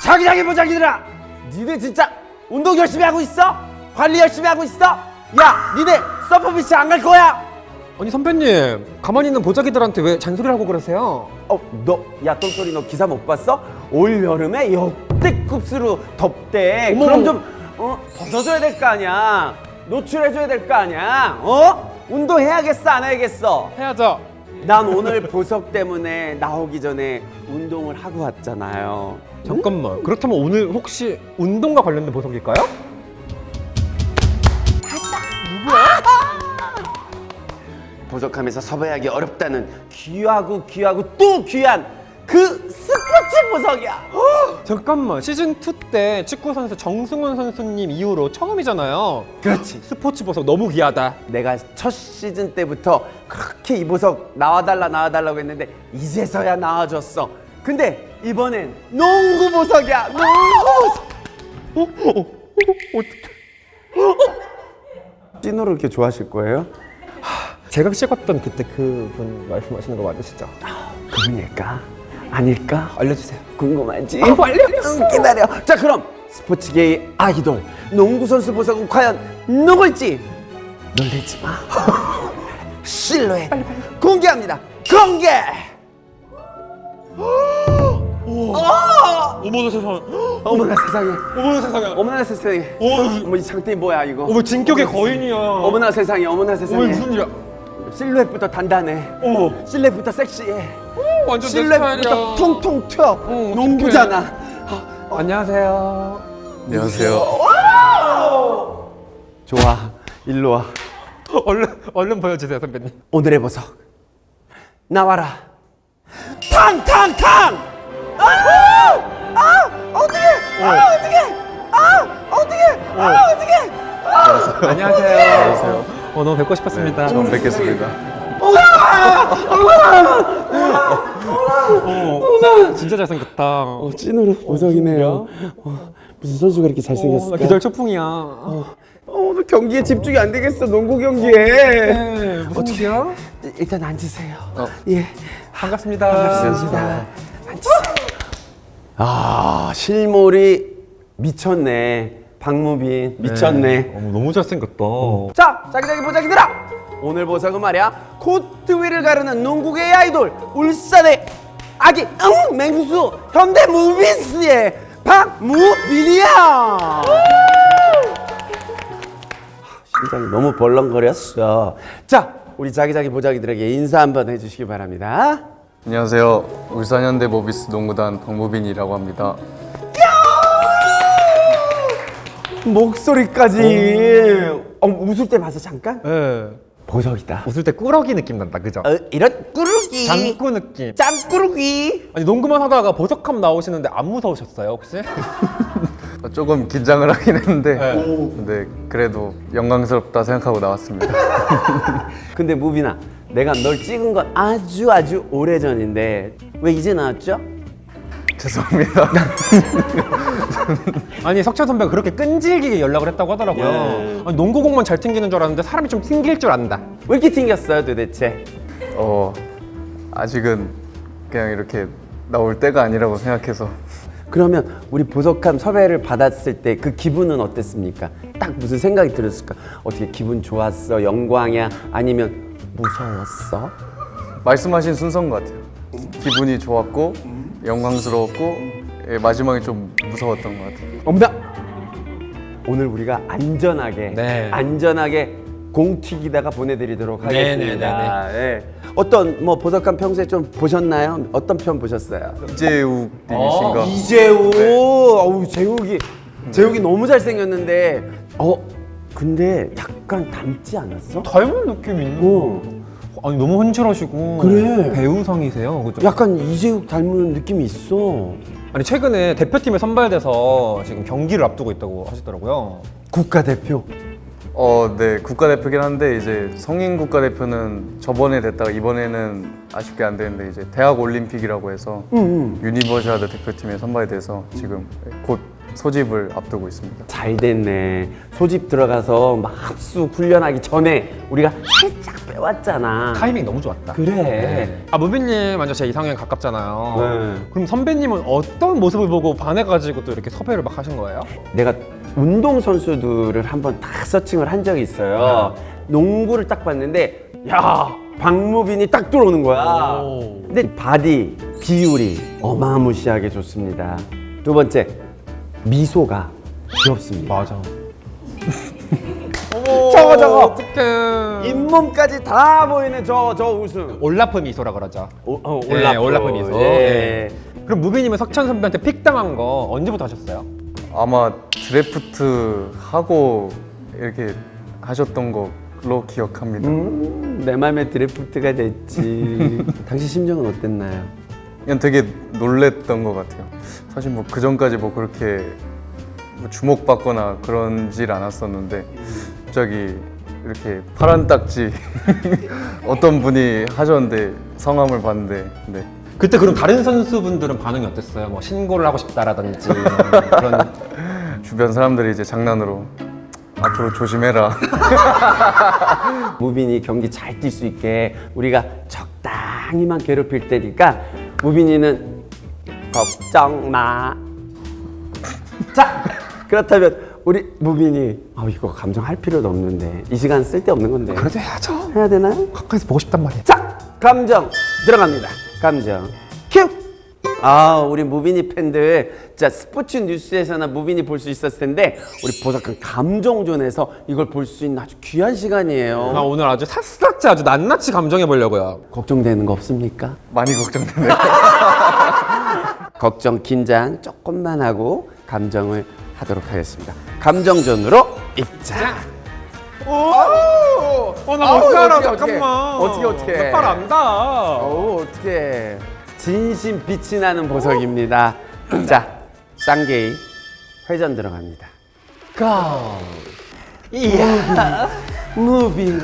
자기자기 보자기들아, 니네 진짜 운동 열심히 하고 있어? 관리 열심히 하고 있어? 야, 니네 서퍼비치 안 갈 거야? 아니 선배님, 가만히 있는 보자기들한테 왜 잔소리를 하고 그러세요? 야, 똥소리 너 기사 못 봤어? 올 여름에 역대급수로 덥대. 어머. 그럼 좀 벗어줘야 될 거 아니야. 노출해줘야 될 거 아니야. 운동해야겠어, 안 해야겠어? 해야죠. 난 오늘 보석 때문에 나오기 전에 운동을 하고 왔잖아요. 잠깐만, 그렇다면 오늘 혹시 운동과 관련된 보석일까요? 보석하면서 섭외하기 어렵다는 귀하고 또 귀한 그 스포츠 보석이야. 잠깐만, 시즌2 때 축구 선수 정승훈 선수님 이후로 처음이잖아요. 그렇지. 스포츠 보석 너무 귀하다. 내가 첫 시즌 때부터 그렇게 이 보석 나와달라고 했는데 이제서야 나와줬어. 근데 이번엔 농구 보석이야. 농구 보석. 찐으로 이렇게 좋아하실 거예요? 제가 찍었던 그때 그분 말씀하시는 거 맞으시죠? 그분일까? 아닐까? 알려주세요. 궁금하지? 빨리 기다려. 자, 그럼 스포츠계의 아이돌 농구 선수 보석은 과연 누굴지 놀라지 마. 실루엣 공개합니다. 공개. 어머나 세상에. 어머나 세상에. 어머나 세상에. 어머나 세상에. 어머, 이 상태이 뭐야 이거? 어머, 진격의 거인이야. 어머나 세상에. 어머나 세상에. 어머, 무슨 일이야? 실루엣부터 단단해. 어머, 실루엣부터 섹시해. 완전 내 실루엣부터 스타일이야. 통통 튀어. 농구잖아. 안녕하세요. 안녕하세요. 좋아. 일로 와. 얼른 보여주세요, 선배님. 오늘의 보석 나와라. 탕탕탕. 어떻게. 안녕하세요. 너무 뵙고 싶었습니다. 처음 뵙겠습니다. 진짜 잘생겼다. 찐으로 보석이네요. 무슨 선수가 이렇게 나 잘생겼을까? 기절 초풍이야. 오늘 경기에 집중이 안 되겠어. 농구 경기에. 네, 무슨 일이야? 일단 앉으세요. 예. 반갑습니다. 반갑습니다. 앉으세요. 아, 실물이 미쳤네. 박무빈 미쳤네. 너무 잘생겼다. 자, 자기자기 보자기들아! 오늘 보석은 말이야, 코트 위를 가르는 농구계의 아이돌 울산의 아기 맹수 현대무비스의 박무빈이야. 심장이 너무 벌렁거렸어. 자, 우리 자기자기 보자기들에게 인사 한번 해주시기 바랍니다. 안녕하세요. 울산 현대 모비스 농구단 박무빈이라고 합니다. 목소리까지. 웃을 때 봐서 잠깐? 네. 보석이다. 웃을 때 꾸러기 느낌 난다, 그죠? 이런 꾸르기. 장꾸 느낌. 짱꾸르기. 아니, 농구만 하다가 보석함 나오시는데 안 무서우셨어요, 혹시? 조금 긴장을 하긴 했는데, 네. 근데 그래도 영광스럽다 생각하고 나왔습니다. 근데 무빈아, 내가 널 찍은 건 아주 오래전인데 왜 이제 나왔죠? 죄송합니다. 아니, 석찬 선배가 그렇게 끈질기게 연락을 했다고 하더라고요. 네. 아니, 농구공만 잘 튕기는 줄 알았는데 사람이 좀 튕길 줄 안다. 왜 이렇게 튕겼어요 도대체? 아직은 그냥 이렇게 나올 때가 아니라고 생각해서. 그러면 우리 보석함 섭외를 받았을 때 그 기분은 어땠습니까? 딱 무슨 생각이 들었을까? 어떻게 기분 좋았어? 영광이야? 아니면 무서웠어? 말씀하신 순서인 것 같아요. 기분이 좋았고, 영광스러웠고, 마지막에 좀 무서웠던 것 같아요. 엄마! 오늘 우리가 안전하게 네. 공 튀기다가 보내드리도록 네, 하겠습니다. 예. 어떤 보석함 평소에 좀 보셨나요? 어떤 편 보셨어요? 이재욱 님이신가? 이재욱. 어우, 재욱이 너무 잘생겼는데 근데 약간 닮지 않았어? 닮은 느낌이 있는. 아니, 너무 헌칠하시고. 그래. 배우성이세요, 그죠? 약간 이재욱 닮은 느낌이 있어. 아니, 최근에 대표팀에 선발돼서 지금 경기를 앞두고 있다고 하시더라고요. 국가대표. 네, 국가대표긴 한데 이제 성인 국가대표는 저번에 됐다가 이번에는 아쉽게 안 되는데 이제 대학 올림픽이라고 해서 유니버시아드 대표팀에 선발이 돼서 지금 곧 소집을 앞두고 있습니다. 잘 됐네. 소집 들어가서 막 합수 훈련하기 전에 우리가 살짝 빼왔잖아. 타이밍 너무 좋았다. 그래. 아, 무빈님 완전 제 이상형 가깝잖아요. 네. 그럼 선배님은 어떤 모습을 보고 반해가지고 또 이렇게 섭외를 막 하신 거예요? 내가 운동 선수들을 한번 다 서칭을 한 적이 있어요. 농구를 딱 봤는데 야, 박무빈이 딱 들어오는 거야. 오. 근데 바디 비율이 어마무시하게 좋습니다. 두 번째, 미소가 귀엽습니다. 맞아. 저거. 어떡해. 잇몸까지 다 보이는 저 웃음. 올라프 미소라 그러죠. 올라프. 네, 올라프 미소. 예. 그럼 무빈님은 석천 선배한테 픽 당한 거 언제부터 하셨어요? 아마 드래프트 하고 이렇게 하셨던 걸로 기억합니다. 내 맘에 드래프트가 됐지. 당시 심정은 어땠나요? 그냥 되게 놀랬던 것 같아요. 사실 뭐 그 전까지 뭐 그렇게 뭐 주목받거나 그런질 않았었는데 갑자기 이렇게 파란 딱지 어떤 분이 하셨는데 성함을 봤는데 네. 그때 그럼 다른 선수분들은 반응이 어땠어요? 뭐 신고를 하고 싶다라든지 그런. 주변 사람들이 이제 장난으로 앞으로 조심해라. 무빈이 경기 잘 뛸 수 있게 우리가 적당히만 괴롭힐 테니까 무빈이는 걱정 마. 자, 그렇다면 우리 무빈이 이거 감정할 필요도 없는데 이 시간 쓸데없는 건데 그래도 해야죠. 해야 되나요? 가까이서 보고 싶단 말이야. 자, 감정 들어갑니다. 감정 큐. 우리 무빈이 팬들, 자, 스포츠 뉴스에서나 무빈이 볼 수 있었을 텐데 우리 보석한 감정존에서 이걸 볼 수 있는 아주 귀한 시간이에요. 나 오늘 아주 샅샅이 아주 낱낱이 감정해 보려고요. 걱정되는 거 없습니까? 많이 걱정되네요. 걱정, 긴장 조금만 하고 감정을 하도록 하겠습니다. 감정존으로 입장. 나 못 살아. 잠깐만. 어떻게. 나팔 안다. 어떻게. 진심 빛이 나는 보석입니다. 자, 쌍게임 회전 들어갑니다. Go. 이야. 무빈.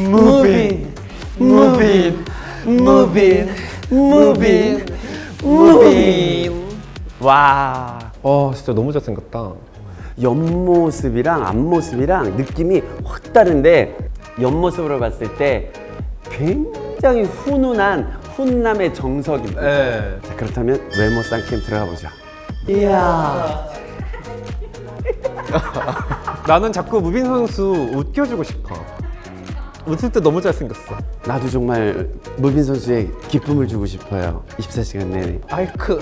와. 진짜 너무 잘생겼다. 옆모습이랑 앞모습이랑 느낌이 확 다른데 옆모습으로 봤을 때 굉장히 훈훈한 훈남의 정석입니다. 네. 자, 그렇다면 외모 쌍캠 들어가 보죠. 이야. 나는 자꾸 무빈 선수 웃겨주고 싶어. 웃을 때 너무 잘생겼어. 나도 정말 무빈 선수의 기쁨을 주고 싶어요. 24시간 내내. 아이크.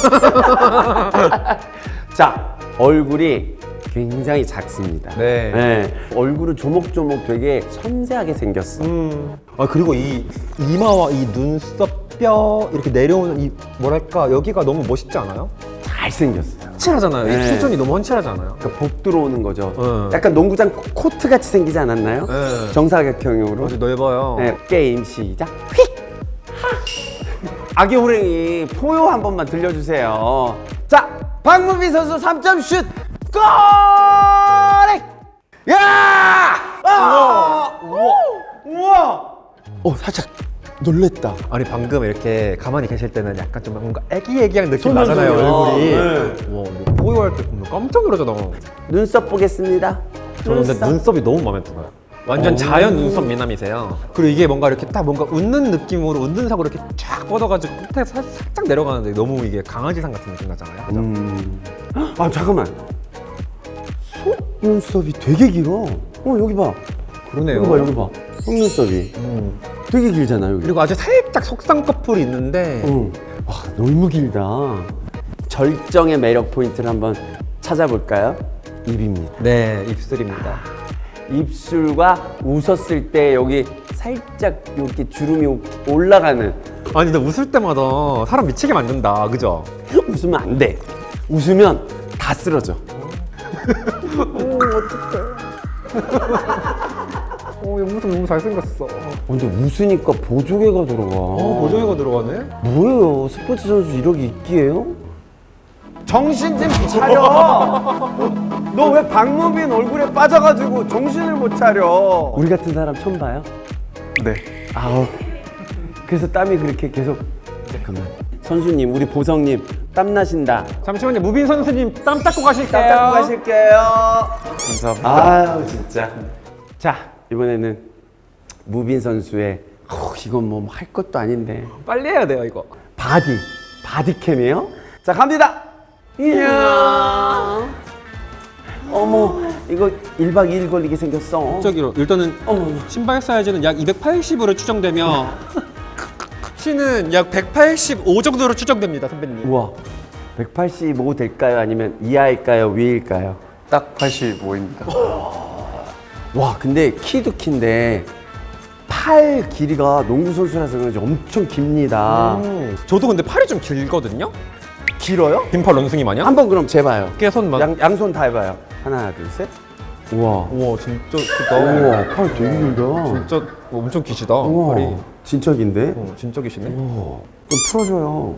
자, 얼굴이 굉장히 작습니다. 네. 얼굴은 조목조목 되게 섬세하게 생겼어. 그리고 이 이마와 이 눈썹 뼈 이렇게 내려오는 이 뭐랄까 여기가 너무 멋있지 않아요? 잘생겼어요. 훤칠하잖아요. 네. 이 수준이 너너무 훤칠하잖아요. 그러니까 복 들어오는 거죠. 네. 약간 농구장 코트 같이 생기지 않았나요? 네. 정사각형으로. 아주 넓어요. 네, 게임 시작. 휙! 하! 아기 호랭이 포효 한 번만 들려주세요. 자, 박무빈 선수 3점 슛! 골! 야! 우와! 살짝 놀랬다. 아니 방금 이렇게 가만히 계실 때는 약간 좀 뭔가 애기애기한 느낌 손을 나잖아요 손을. 얼굴이. 네. 와, 이거 포효할 때 보면 깜짝 놀라잖아. 눈썹 보겠습니다. 저는 근데 눈썹이 너무 마음에 들어요. 완전 자연 눈썹 미남이세요. 그리고 이게 뭔가 이렇게 딱 뭔가 웃는 느낌으로 웃는 사고 이렇게 쫙 뻗어가지고 끝에 살짝 내려가는데 너무 이게 강아지상 같은 느낌 나잖아요. 그죠? 잠깐만. 속눈썹이 되게 길어. 여기 봐. 그러네요. 여기 봐. 속눈썹이 되게 길잖아, 여기. 그리고 아주 살짝 속쌍 커플이 있는데 와, 너무 길다. 절정의 매력 포인트를 한번 찾아볼까요? 입입니다. 네, 입술입니다. 입술과 웃었을 때 여기 살짝 이렇게 주름이 올라가는. 아니 근데 웃을 때마다 사람 미치게 만든다. 그죠? 웃으면 안 돼. 웃으면 다 쓰러져. 옆모습 너무 잘생겼어. 근데 웃으니까 보조개가 들어가. 보정이가 들어가네? 뭐예요? 스포츠 선수 이러기 있기에요? 정신 좀 차려. 너 왜 박무빈 얼굴에 빠져가지고 정신을 못 차려? 우리 같은 사람 처음 봐요? 네. 그래서 땀이 그렇게 계속. 잠깐만. 선수님, 우리 보성님 땀 나신다. 잠시만요. 무빈 선수님 땀 닦고 가실게요. 땀 닦고 가실게요. 감사합니다. 아유 진짜. 자, 이번에는 무빈 선수의 이건 뭐 할 것도 아닌데 빨리 해야 돼요 이거. 바디캠이에요? 자 갑니다. 이야. 어머 이거 1박 2일 걸리게 생겼어. 저기로 일단은 어머. 신발 사이즈는 약 280으로 추정되며 키는 약 185 정도로 추정됩니다, 선배님. 우와 185 될까요? 아니면 이하일까요? 위일까요? 딱 85입니다. 와 근데 키도 키인데 팔 길이가 농구 선수라서 그런지 엄청 깁니다. 저도 근데 팔이 좀 길거든요. 길어요? 빈팔 원숭이 마냥. 한번 그럼 재봐요. 깨손만. 양손 다 해봐요. 하나 둘 셋. 우와. 우와 진짜 크다. 우와 팔 되게 길다. 진짜 엄청 기시다. 우와 팔이. 진짜 긴데? 진짜 기시네. 좀 풀어줘요.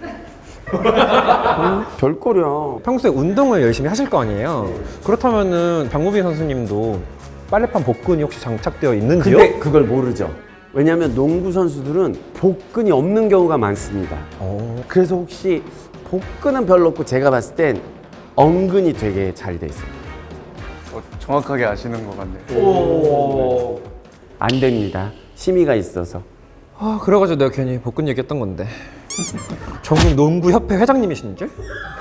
예. 별거려. 평소에 운동을 열심히 하실 거 아니에요. 그렇다면은 박무빈 선수님도 빨래판 복근이 혹시 장착되어 있는지요? 근데 그걸 모르죠. 왜냐하면 농구 선수들은 복근이 없는 경우가 많습니다. 그래서 혹시 복근은 별로 없고 제가 봤을 땐 엉근이 되게 잘 돼 있어요. 정확하게 아시는 것 같네요. 오. 안 됩니다. 심의가 있어서. 아 그래가지고 내가 괜히 복근 얘기했던 건데. 전국 농구협회 회장님이신 줄?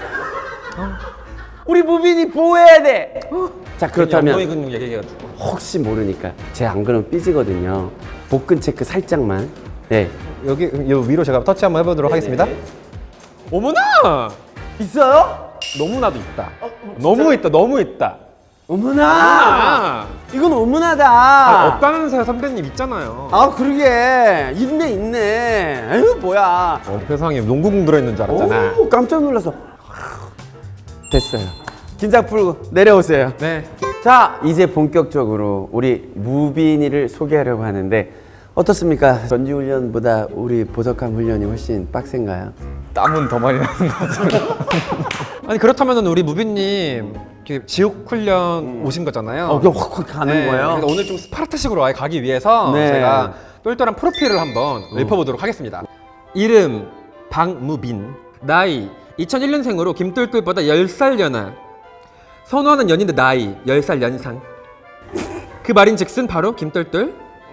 우리 무빈이 보호해야 돼. 자 엉덩이 그렇다면 근육 얘기해가지고. 혹시 모르니까 제가 안 그러면 삐지거든요. 복근 체크 살짝만. 네. 여기 위로 제가 터치 한번 해보도록 하겠습니다. 어머나! 있어요? 너무나도 있다. 너무 있다. 너무 있다. 어머나. 아, 이건 어머나다. 없다면서요 선배님 있잖아요. 아 그러게 있네. 에휴 뭐야. 세상에 농구공 들어있는 줄 알았잖아. 오, 깜짝 놀라서. 됐어요. 긴장 풀고 내려오세요. 네. 자 이제 본격적으로 우리 무빈이를 소개하려고 하는데 어떻습니까? 전지훈련보다 우리 보석함 훈련이 훨씬 빡센가요? 땀은 더 많이 나는 것 같아요. 아니 그렇다면 우리 무빈님 지옥 훈련 오신 거잖아요. 그냥 확확 가는 네, 거예요? 그래서 오늘 좀 스파르타식으로 아예 가기 위해서 네. 제가 똘똘한 프로필을 한번 읊어보도록 하겠습니다. 이름 박무빈, 나이 2001년생으로 김똘똘보다 10살 연하, 선호하는 연인의 나이 10살 연상. 그 말인즉슨 바로 김똘똘.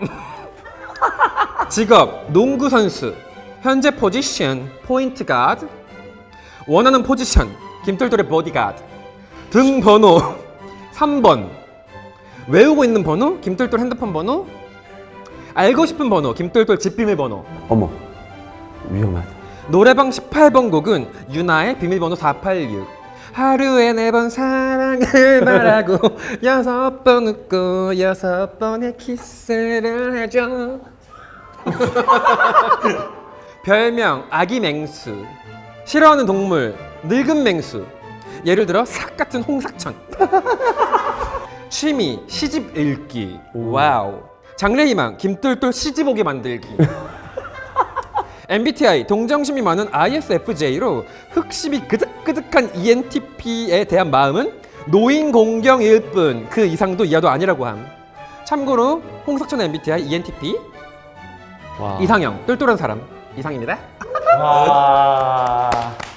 직업 농구 선수, 현재 포지션 포인트 가드, 원하는 포지션 김똘똘의 보디가드, 등 번호 3번, 외우고 있는 번호 김똘똘 핸드폰 번호, 알고 싶은 번호 김똘똘 집 비밀번호, 어머 위험하다. 노래방 18번 곡은 유나의 비밀번호 486. 하루에 4번 사랑을 말하고 6번 웃고 6번의 키스를 해줘. 별명 아기 맹수, 싫어하는 동물 늙은 맹수, 예를 들어 삭 같은 홍사천. 취미 시집 읽기. 와우. 장래희망 김똘똘 시집 오게 만들기. MBTI 동정심이 많은 ISFJ로 흑심이 그득그득한 ENTP에 대한 마음은 노인 공경일 뿐 그 이상도 이하도 아니라고 함. 참고로 홍석천 MBTI ENTP 와. 이상형 똘똘한 사람 이상입니다. 와.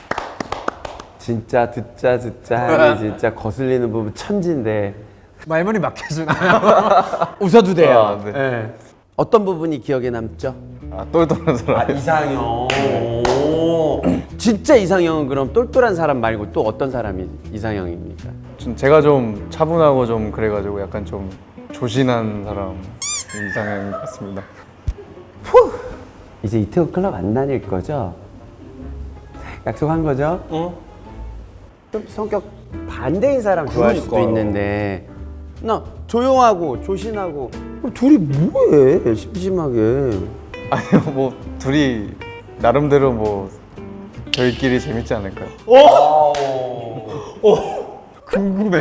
진짜 듣자 하니 진짜 거슬리는 부분 천진데 말문이 막혀주나요? 웃어도 돼요. 아, 네. 네. 어떤 부분이 기억에 남죠? 똘똘한 사람. 이상형. 오. 진짜 이상형은 그럼 똘똘한 사람 말고 또 어떤 사람이 이상형입니까? 제가 좀 차분하고 좀 그래가지고 약간 좀 조신한 사람 이상형인 것 같습니다. 이제 이태원 클럽 안 다닐 거죠? 약속한 거죠? 좀 성격 반대인 사람 좋아할 수도 그러니까요. 있는데 나 조용하고 조신하고 그럼 둘이 뭐해 심심하게. 아니요, 뭐 둘이 나름대로 뭐 저희끼리 재밌지 않을까요? 궁금해.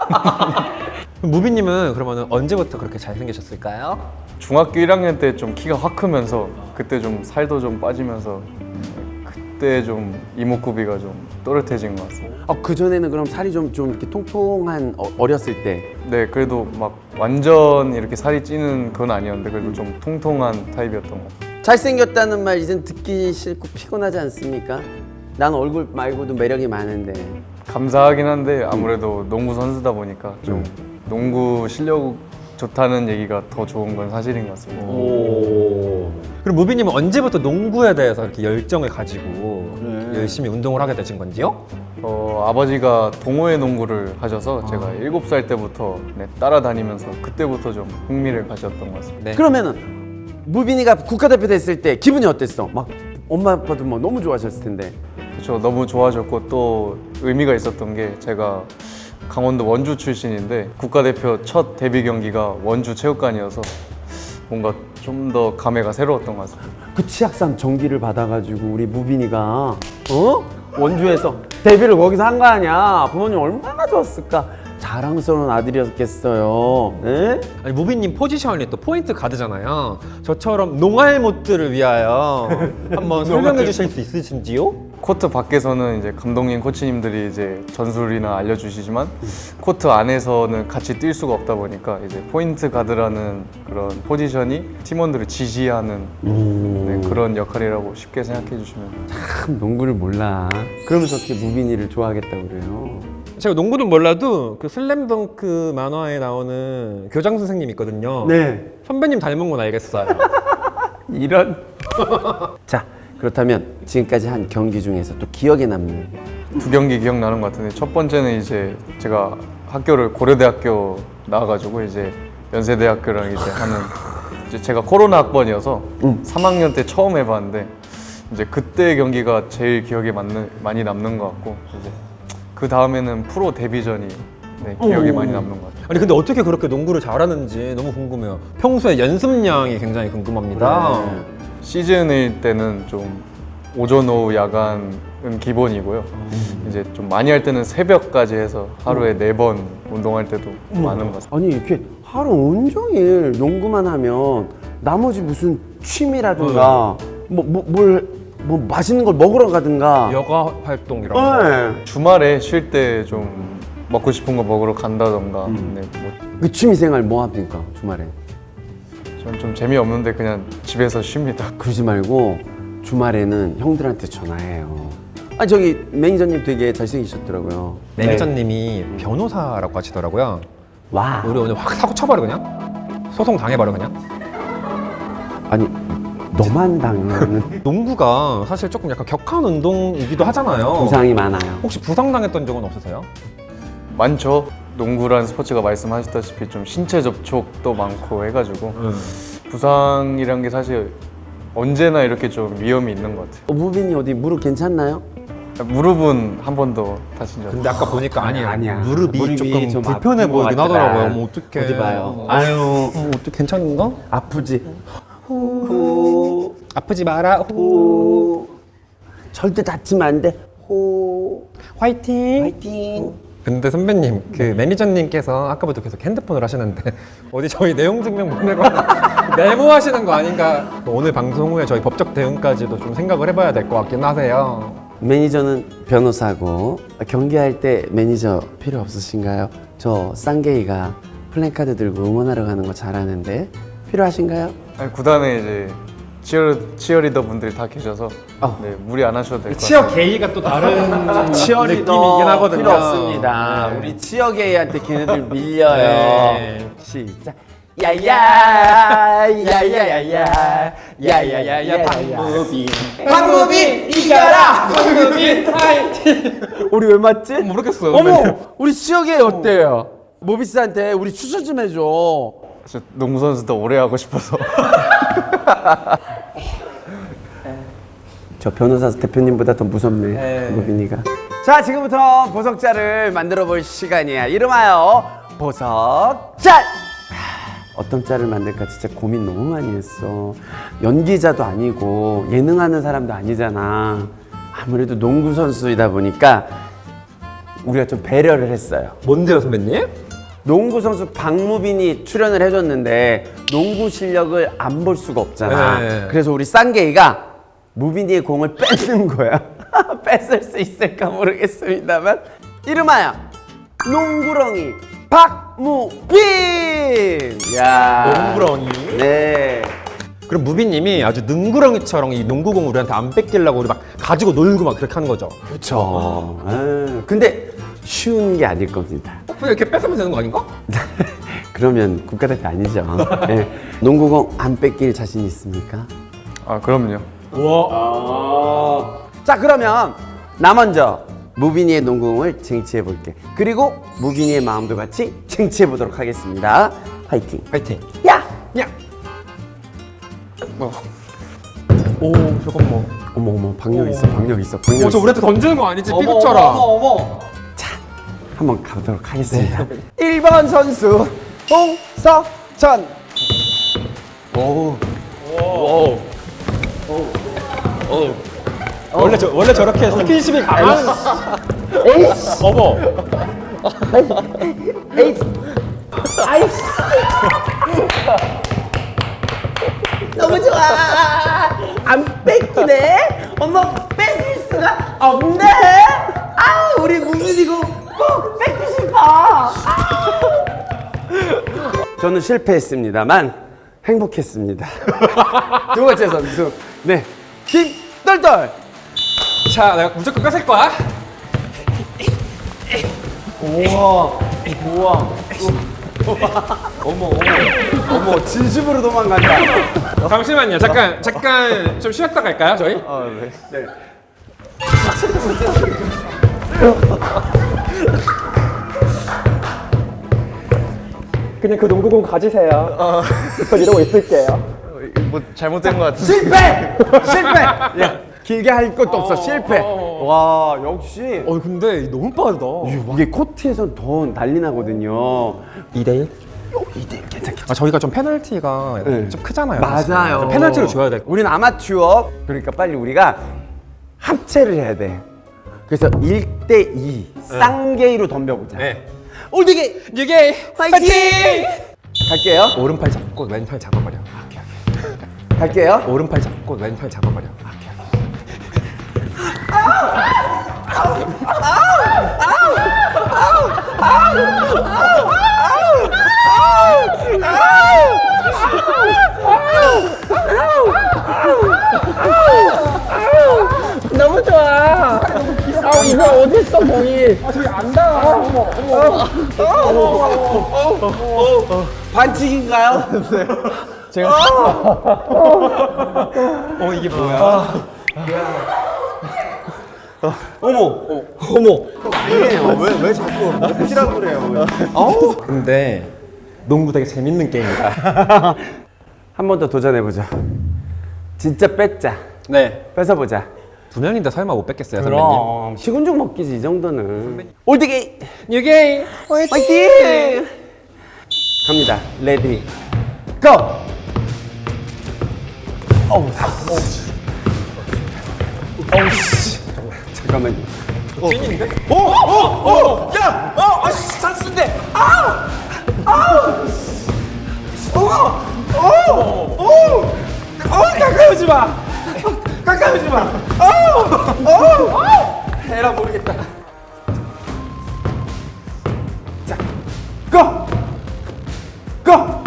무비님은 그러면 언제부터 그렇게 잘생기셨을까요? 중학교 1학년 때 좀 키가 확 크면서 그때 좀 살도 좀 빠지면서 그때 좀 이목구비가 좀 또렷해진 것 같습니다. 그 전에는 그럼 살이 좀 이렇게 통통한 어렸을 때. 네, 그래도 막 완전 이렇게 살이 찌는 건 아니었는데 그래도 좀 통통한 타입이었던 것 같아요. 잘생겼다는 말 이젠 듣기 싫고 피곤하지 않습니까? 난 얼굴 말고도 매력이 많은데. 감사하긴 한데 아무래도 농구 선수다 보니까 좀 농구 실력이 좋다는 얘기가 더 좋은 건 사실인 것 같습니다. 그럼 무비님은 언제부터 농구에 대해서 이렇게 열정을 가지고 열심히 운동을 하게 되신 건지요? 아버지가 동호회 농구를 하셔서 제가 7살 때부터 따라다니면서 그때부터 좀 흥미를 가졌던 것 같습니다. 네. 그러면은 무빈이가 국가대표 됐을 때 기분이 어땠어? 막 엄마 아빠도 뭐 너무 좋아하셨을 텐데. 그렇죠. 너무 좋아졌고 또 의미가 있었던 게 제가 강원도 원주 출신인데 국가대표 첫 데뷔 경기가 원주 체육관이어서 뭔가 좀 더 감회가 새로웠던 것 같습니다. 그 치악산 전기를 받아가지고 우리 무빈이가 원주에서 데뷔를 거기서 한 거 아니야. 부모님 얼마나 좋았을까. 자랑스러운 아들이었겠어요. 네? 아니 무비님 포지션이 또 포인트 가드잖아요. 저처럼 농알못들을 위하여 한번 설명해 주실 수 있으신지요? 코트 밖에서는 이제 감독님, 코치님들이 이제 전술이나 알려주시지만 코트 안에서는 같이 뛸 수가 없다 보니까 이제 포인트 가드라는 그런 포지션이 팀원들을 지시하는 그런 역할이라고 쉽게 생각해 주시면 참 농구를 몰라. 그러면서 어떻게 무빈이를 좋아하겠다고 그래요. 제가 농구는 몰라도 그 슬램덩크 만화에 나오는 교장 선생님 있거든요. 네. 선배님 닮은 건 알겠어요. 이런. 자, 그렇다면 지금까지 한 경기 중에서 또 기억에 남는 2경기 기억나는 것 같은데 첫 번째는 이제 제가 학교를 고려대학교 나와가지고 이제 연세대학교랑 이제 하는 이제 제가 코로나 학번이어서 3학년 때 처음 해봤는데 이제 그때 경기가 제일 기억에 많이 남는 것 같고 이제 그 다음에는 프로 데뷔전이 기억에 많이 남는 것 같아요. 아니 근데 어떻게 그렇게 농구를 잘하는지 너무 궁금해요. 평소에 연습량이 굉장히 궁금합니다. 시즌일 때는 좀 오전 오후 야간은 기본이고요. 이제 좀 많이 할 때는 새벽까지 해서 하루에 4번 운동할 때도 많은 것 같습니다. 아니 이렇게 하루 온종일 농구만 하면 나머지 무슨 취미라든가 뭐 맛있는 걸 먹으러 가든가 여가 활동 이런 거. 네. 주말에 쉴 때 좀 먹고 싶은 거 먹으러 간다던가 그 취미생활 뭐 합니까 주말에? 저는 좀 재미없는데 그냥 집에서 쉽니다. 그러지 말고 주말에는 형들한테 전화해요. 아니 저기 매니저님 되게 잘생기셨더라고요. 매니저님이 변호사라고 하시더라고요. 와. 우리 오늘 확 사고 쳐버려 그냥. 소송 당해버려 그냥. 아니 너만 당하는 농구가 사실 조금 약간 격한 운동이기도 하잖아요. 부상이 많아요. 혹시 부상 당했던 적은 없으세요? 많죠. 농구라는 스포츠가 말씀하셨다시피 좀 신체 접촉도 많고 해가지고 부상이란 게 사실 언제나 이렇게 좀 위험이 있는 것 같아요. 무빈이 어디 무릎 괜찮나요? 무릎은 한 번도 다친 적 근데 아까 보니까 아니야. 무릎이 조금 좀 불편해 아픈 것 보이긴 같더라. 하더라고요. 뭐 어떡해. 어디 봐요. 아유 어떻게 괜찮은가? 아프지. 호. 아프지 마라. 호. 절대 다치면 안 돼. 호. 화이팅. 파이팅. 근데 선배님 그 매니저님께서 아까부터 계속 핸드폰을 하시는데 어디 저희 내용 증명 보내고 메모하시는 거 아닌가? 오늘 방송 후에 저희 법적 대응까지도 좀 생각을 해봐야 될 것 같긴 하세요. 매니저는 변호사고 경기할 때 매니저 필요 없으신가요? 저 쌍게이가 플랜카드 들고 응원하러 가는 거 잘하는데 필요하신가요? 아니, 구단에 이제 치어리더 분들이 다 계셔서 무리 안 하셔도 될 것 같아요. 치어 게이가 또 다른 느낌이긴 하거든요. 필요 없습니다. 네. 우리 치어 게이한테 걔네들 밀려요. 네. 시작. 야야 야야야야 야야야야 박무빈 박무빈 이겨라 박무빈 파이팅. 우리 왜 맞지? 모르겠어요. 어머 우리 치어 게이 어때요? 모비스한테 우리 추천 좀 해줘. 저 농구 선수 더 오래 하고 싶어서. 저 변호사 대표님보다 더 무섭네 무빈이가. 자 지금부터 보석자를 만들어 볼 시간이야. 이름하여 보석짤. 어떤 짤을 만들까 진짜 고민 너무 많이 했어. 연기자도 아니고 예능하는 사람도 아니잖아. 아무래도 농구 선수이다 보니까 우리가 좀 배려를 했어요. 뭔데요 선배님? 농구 선수 박무빈이 출연을 해줬는데 농구 실력을 안 볼 수가 없잖아. 네. 그래서 우리 쌍게이가 무빈이의 공을 뺏는 거야. 뺏을 수 있을까 모르겠습니다만 이름하여 농구렁이 박무빈. 야. 농구렁이. 네. 그럼 무비님이 아주 능구렁이처럼 이 농구공 우리한테 안 뺏기려고 우리 막 가지고 놀고 막 그렇게 하는 거죠. 그렇죠. 근데 쉬운 게 아닐 겁니다. 그냥 이렇게 뺏으면 되는 거 아닌가? 그러면 국가대표 아니죠. 네. 농구공 안 뺏길 자신 있습니까? 아 그럼요. 자 그러면 나 먼저 무빈이의 농구공을 쟁취해 볼게. 그리고 무빈이의 마음도 같이 쟁취해 보도록 하겠습니다. 화이팅. 파이팅. 야! 야. 오 잠깐만. 어머 박력 있어 박력 있어 박력 저 있어. 우리한테 던지는 거 아니지? 삐걱처럼. 자 한번 가보도록 하겠습니다. 1번 선수 홍석천. 원래 저렇게 스킨십이 강한. 어머. 아이씨. 너무 좋아. 안 뺏기네. 엄마 뺏을 수가 없네. 아 우리 무빈이고 꼭 뺏고 싶어. 저는 실패했습니다만 행복했습니다. 두 번째 선수 네 김떨떨. 자 내가 무조건 뺏을 거야. 어머 진심으로 도망간다. 잠시만요. 잠깐 좀 쉬었다 갈까요 저희? 아 네. 그냥 그 농구공 가지세요. 전 이러고 있을게요. 뭐 잘못된 것 같은데. 실패. 야 길게 할 것도 없어. 실패. 와 역시 근데 너무 빠르다. 이게 코트에서 더 난리 나거든요. 2대1? 2대1 괜찮겠죠? 아 저희가 좀 페널티가 네. 좀 크잖아요. 맞아요. 사실. 페널티를 줘야 돼. 우리는 아마추어. 그러니까 빨리 우리가 합체를 해야 돼. 그래서 1대2 쌍게이로 덤벼보자. 네. 올드게이 이게 파이팅! 갈게요. 오른팔 잡고 왼팔 잡아버려. 갈게요. 오른팔 잡고 왼팔 잡아버려. 너무 좋아. 아 이거 어디 있어 공이? 아 저기 안 닿아. 반칙인가요? 이게 뭐야? 왜 자꾸 먹기라고 그래요? 근데 농구 되게 재밌는 게임이다. 한 번 더 도전해 보자. 진짜 뺏자. 네. 뺏어보자. 두 명인데 설마 못 뺏겠어요, 선배님? 그럼 시군죽 먹기지 이 정도는. 올드게이 이게 파이팅! 갑니다. 레디 고! 어우 씨. 잠깐만요. 찐인데? 찬스인데. 가까이 오지 마. 가까이 오지 마. 에라 모르겠다. 자, 고! 고!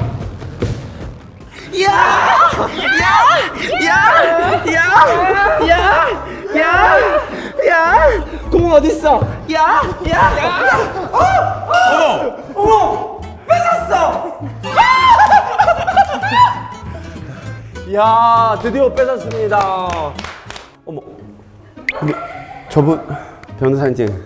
공 어디 있어? 어머, 뺏었어. 야, 드디어 뺏었습니다. 어머, 근데 저분 변호사님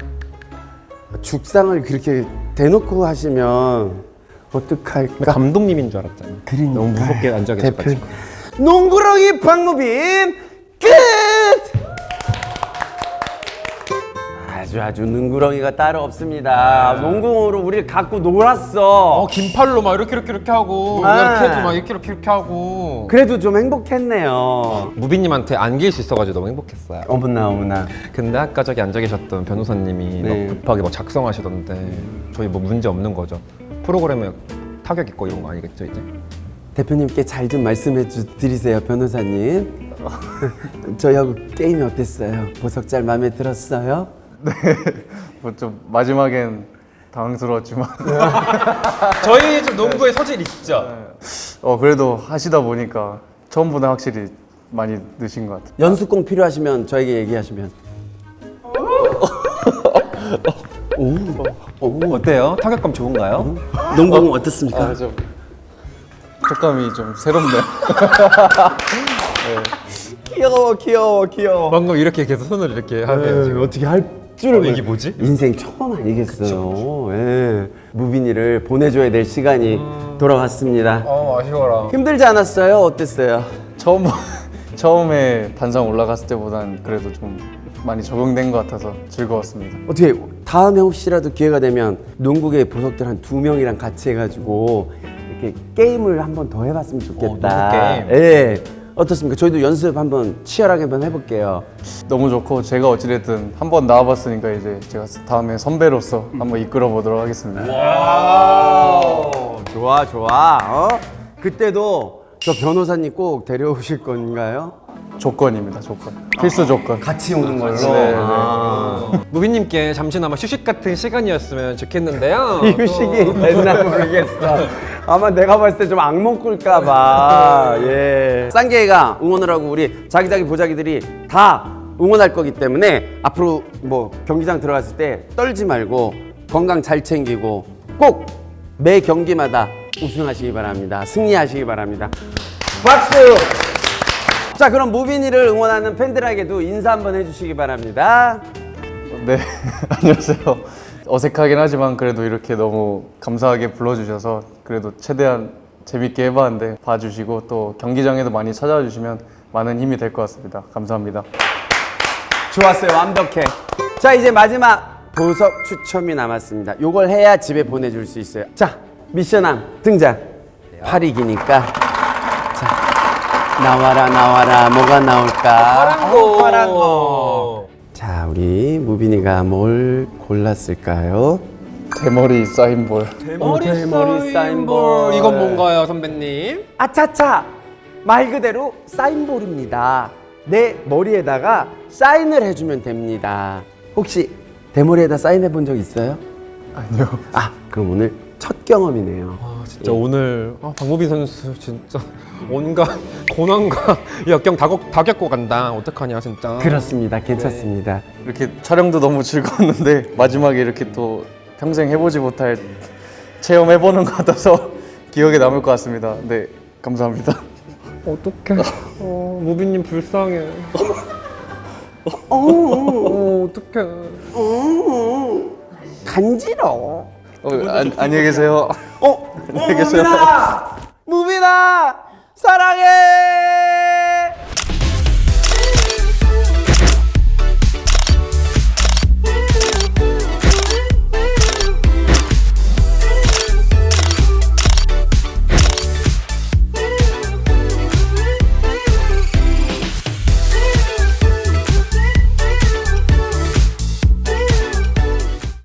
죽상을 그렇게 대놓고 하시면 어떡할까? 감독님인 줄 알았잖아. 그러니까. 너무 무섭게 앉아 계셔가지고. 농구렁이 박무빈 끝! 아주 농구렁이가 따로 없습니다. 농구로 우리를 갖고 놀았어. 긴팔로 막 이렇게 하고 네. 이렇게 해도 막 이렇게 하고. 그래도 좀 행복했네요. 무빈님한테 안길 수 있어가지고 너무 행복했어요. 어머나. 근데 아까 저기 앉아 계셨던 변호사님이 네. 막 급하게 막 작성하시던데 저희 뭐 문제 없는 거죠? 프로그램에 타격 있고 이런 거 아니겠죠 이제? 대표님께 잘 좀 말씀해 드리세요, 변호사님. 저희하고 게임이 어땠어요? 보석 잘 마음에 들었어요? 뭐 좀 마지막엔 당황스러웠지만 저희 좀 농구에 소질 있죠? 그래도 하시다 보니까 처음보다 확실히 많이 느신 것 같아요. 어때요? 타격감 좋은가요? 농구공 어떻습니까? 아, 좀 촉감이 좀 새롭네요. 귀여워 귀여워 귀여워. 방금 이렇게 계속 손을 이렇게 하면 지금 어떻게 할 줄을 이게 뭐지? 인생 처음 아니겠어요. 예. 무빈이를 보내줘야 될 시간이 돌아왔습니다. 아쉬워라. 힘들지 않았어요? 어땠어요? 처음에 단상 올라갔을 때보단 그래도 좀 많이 적응된 것 같아서 즐거웠습니다. 어떻게 다음에 혹시라도 기회가 되면 농구계 보석들 한 2명이랑 같이 해가지고 이렇게 게임을 한번 더 해봤으면 좋겠다. 농구 게임? 예. 어떻습니까? 저희도 연습 한번 치열하게 한번 해볼게요. 너무 좋고 제가 어찌됐든 한 번 나와봤으니까 이제 제가 다음에 선배로서 한번 이끌어 보도록 하겠습니다. 좋아 좋아. 그때도 저 변호사님 꼭 데려오실 건가요? 조건입니다. 조건. 필수 조건. 같이 오는 걸로. 네, 네. 무빈님께 잠시나마 휴식 같은 시간이었으면 좋겠는데요. 휴식이 됐나 모르겠어. 아마 내가 봤을 때 좀 악몽 꿀까봐. 예. 쌍계가 응원을 하고 우리 자기자기 보자기들이 다 응원할 거기 때문에 앞으로 뭐 경기장 들어갔을 때 떨지 말고 건강 잘 챙기고 꼭 매 경기마다 우승하시기 바랍니다. 승리하시기 바랍니다. 박수! 자, 그럼 무빈이를 응원하는 팬들에게도 인사 한번 해주시기 바랍니다. 네, 안녕하세요. 어색하긴 하지만 그래도 이렇게 너무 감사하게 불러주셔서 그래도 최대한 재밌게 해봤는데 봐주시고 또 경기장에도 많이 찾아와 주시면 많은 힘이 될 것 같습니다. 감사합니다. 좋았어요. 완벽해. 자, 이제 마지막 보석 추첨이 남았습니다. 요걸 해야 집에 보내줄 수 있어요. 자, 미션함 등장. 팔이 기니까. 자, 나와라 나와라. 뭐가 나올까? 파란 거. 자, 우리 무빈이가 뭘 골랐을까요? 대머리 사인볼. 대머리 사인볼. 이건 뭔가요, 선배님? 아차차! 말 그대로 사인볼입니다. 내 머리에다가 사인을 해주면 됩니다. 혹시 대머리에다 사인해 본 적 있어요? 아니요. 아, 그럼 오늘 첫 경험이네요. 진짜 오늘 박무빈 선수 진짜 온갖 고난과 역경 다 겪고 간다. 어떡하냐 진짜. 그렇습니다. 괜찮습니다. 이렇게 촬영도 너무 즐거웠는데 마지막에 이렇게 또 평생 해보지 못할 체험해보는 것 같아서 기억에 남을 것 같습니다. 네, 감사합니다. 어떡해. 무빈님 불쌍해. 어떡해. 간지러워. 안녕히 계세요. 안녕히 계세요. 무빈아! 무빈아! 사랑해!